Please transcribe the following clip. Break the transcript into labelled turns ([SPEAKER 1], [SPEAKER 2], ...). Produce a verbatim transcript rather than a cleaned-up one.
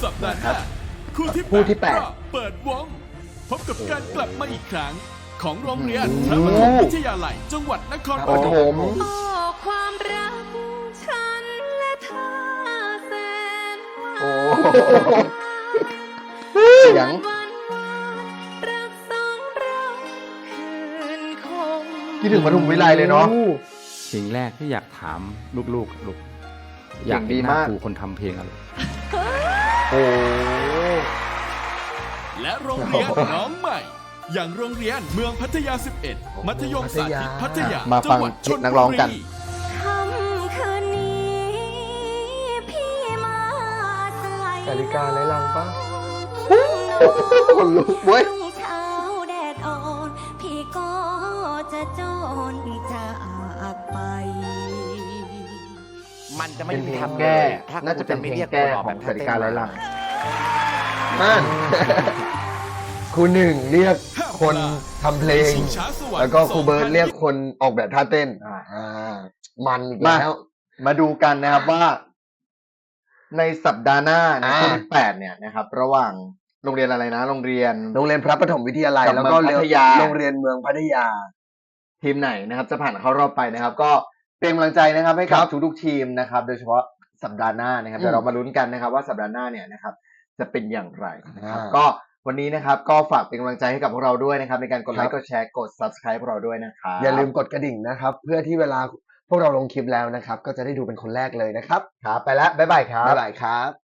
[SPEAKER 1] สัปดาห์หน้าคู่ที่
[SPEAKER 2] คู่ที่แปด
[SPEAKER 1] ก็เปิดวงพบกับการกลับมาอีกครั้งของโรงเรียนพระปฐมวิทยาลัยจังหวัดนครป
[SPEAKER 2] โอ้
[SPEAKER 1] ฐ
[SPEAKER 2] โห
[SPEAKER 1] ม
[SPEAKER 3] โอ้ความรักฉันและเธอแสนหวาน
[SPEAKER 2] โอ้เสียง
[SPEAKER 3] วันวันรักสองเราคืนคง
[SPEAKER 2] คิดถึงปทุมวิไลเลยเนาะ
[SPEAKER 4] สิ่งแรกที่อยากถามลูกๆลูกอยาก
[SPEAKER 2] เก่งดี
[SPEAKER 4] เห็นหน้าม
[SPEAKER 2] าก
[SPEAKER 4] ครูคนทำเพลงอะไร
[SPEAKER 2] โอ้
[SPEAKER 1] และโรงเรียนน้องใหม่ อย่างโรงเรียนเมืองพัทยา สิบเอ็ด มัธยมสาธิตพัทยา
[SPEAKER 2] มา
[SPEAKER 1] จั
[SPEAKER 2] ฟัง
[SPEAKER 1] งหวัดชล
[SPEAKER 2] นัก
[SPEAKER 1] บุ
[SPEAKER 2] ร้องกัน
[SPEAKER 1] รี
[SPEAKER 3] ค่ำคืนนี้พี่มาใส่
[SPEAKER 5] นาฬิกาไร้รังปะ
[SPEAKER 2] คนลุกเว้ย
[SPEAKER 3] รุ่งเช้าแดดอ่อนพี่ก็จะจนจากไป
[SPEAKER 6] มันจะไม่
[SPEAKER 2] เป็น
[SPEAKER 6] มี
[SPEAKER 2] เพลง
[SPEAKER 6] ทำ
[SPEAKER 2] แก้
[SPEAKER 6] ถ้า
[SPEAKER 2] น่าจะเป็นเพลง
[SPEAKER 6] รีย
[SPEAKER 2] แก้
[SPEAKER 6] ตัว
[SPEAKER 2] ของ
[SPEAKER 6] แบบ
[SPEAKER 2] สาริกาไร้ลัง
[SPEAKER 6] เต้
[SPEAKER 2] นั่น
[SPEAKER 5] ครูหนึ่งเรียกคนทำเพลง
[SPEAKER 1] ชิงช้าสวรรค์
[SPEAKER 5] แล้วก็ครูเบิร์ตเรียกคนออกแบบท่าเต้น
[SPEAKER 2] อ่า
[SPEAKER 5] อ่า มันอีก
[SPEAKER 2] มา
[SPEAKER 5] แล้ว
[SPEAKER 2] มาดูกันนะครับว่า ในสัปดาห์หน้าใน
[SPEAKER 5] อ่า
[SPEAKER 2] คู่ที่แปดเนี่ยนะครับ ระหว่างโรงเรียนอะไรนะ โรงเรียน
[SPEAKER 5] โรงเรียนพระปฐมวิทยาลัย
[SPEAKER 2] กับ
[SPEAKER 5] แล้วก็
[SPEAKER 2] เมืองพัทยา
[SPEAKER 5] โรงเรียนเมืองพัทยา
[SPEAKER 2] ทีมไหนนะครับ จะผ่านเข้ารอบไปนะครับ ก็เป็นกำลังใจนะครับ ให้กับ
[SPEAKER 5] ครับ
[SPEAKER 2] ทุกๆทีมนะครับ โดยเฉพาะสัปดาห์หน้านะครับ
[SPEAKER 5] อืม
[SPEAKER 2] เดี๋ยวเรามาลุ้นกันนะครับ ว่าสัปดาห์หน้าเนี่ยนะครับ จะเป็นอย่างไรนะครับ
[SPEAKER 5] อ่า
[SPEAKER 2] ก็วันนี้นะครับ ก็ฝากเป็นกำลังใจให้กับพวกเราด้วยนะครับ ในการกดไล
[SPEAKER 5] ครั
[SPEAKER 2] ค์
[SPEAKER 5] บ
[SPEAKER 2] กดแชร์กด subscribe พวกเราด้วยนะครับ
[SPEAKER 5] อย่าลืมกดกระดิ่งนะครับ เพื่อที่เวลาพวกเราลงคลิปแล้วนะครับ ก็จะได้ดูเป็นคนแรกเลยนะครับ
[SPEAKER 2] ครับ ไปแล้วบ๊ายบายครับ
[SPEAKER 5] บ๊ายบายครับ